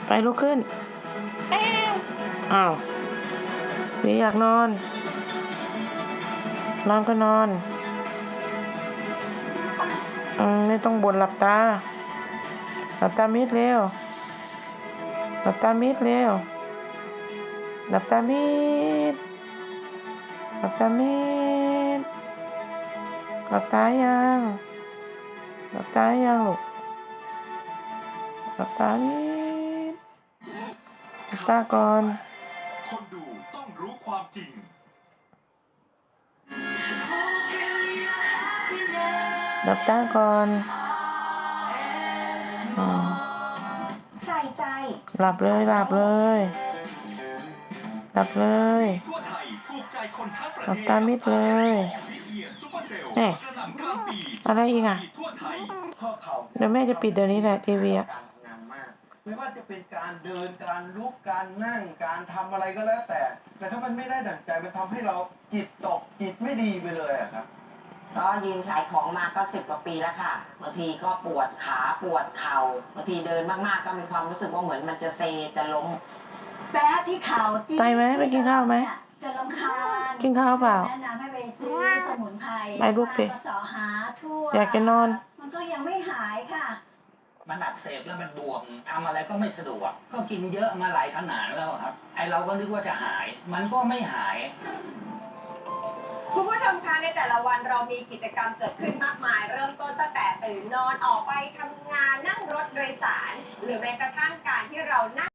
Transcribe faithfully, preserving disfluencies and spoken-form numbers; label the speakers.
Speaker 1: ไปลุกขึ้นอ้าวพี่อยากนอนนอนก็นอนอืมไม่ต้องบ่นหลับตาหลับตามิดเร็วหลับตามิดเร็วหลับตามิดหลับตามิดหลับตายังหลับตายังลูกหลับตามิดหลับตาก่อน
Speaker 2: คนดูต้องรู้ความจริง
Speaker 1: หลับตาก่อนอืม
Speaker 3: ใส่ใจ
Speaker 1: หลับเลยหลับเลยหลับเลยหลับตามิดเลยแน่อะไรอีกอ่ะเดี๋ยวแม่จะปิดเดี๋ยวนี้แหละทีวีอ่ะ
Speaker 4: ไม่ว่าจะเป็นการเดินการลุกการนั่งการทำอะไรก็แล้วแต่แต่ถ้ามันไม่ได้ดั่งใจมันทำให้เราจิตตกจิตไม่ดีไปเลยอะครับ
Speaker 3: ก็ยืนขายของมาก็สิบกว่าปีแล้วค่ะบางทีก็ปวดขาปวดเข่าบางทีเดินมากๆก็มีความรู้สึกว่าเหมือนมันจะเซจะล้ม
Speaker 5: แป๊ะที่เข่า
Speaker 1: ใจไหมไปกินข้าวไหม
Speaker 5: จะรำคาญ
Speaker 1: กินข้าวเปล่า
Speaker 5: แนะนำให้ไปซื้อสมุนไพร
Speaker 1: ไปลูกสิ
Speaker 5: สอหาทั่ว
Speaker 1: อยากจะนอน
Speaker 5: มันก็ยังไม่หายค่ะ
Speaker 6: มันอักเสบแล้วมันบวมทำอะไรก็ไม่สะดวกก็กินเยอะมาหลายขนาดแล้วครับไอเราก็นึกว่าจะหายมันก็ไม่หาย
Speaker 7: คุณผู้ชมคะในแต่ละวันเรามีกิจกรรมเกิดขึ้นมากมายเริ่มต้นตั้งแต่ตื่นนอนออกไปทำงานนั่งรถโดยสารหรือแม้กระทั่งการที่เรานั่ง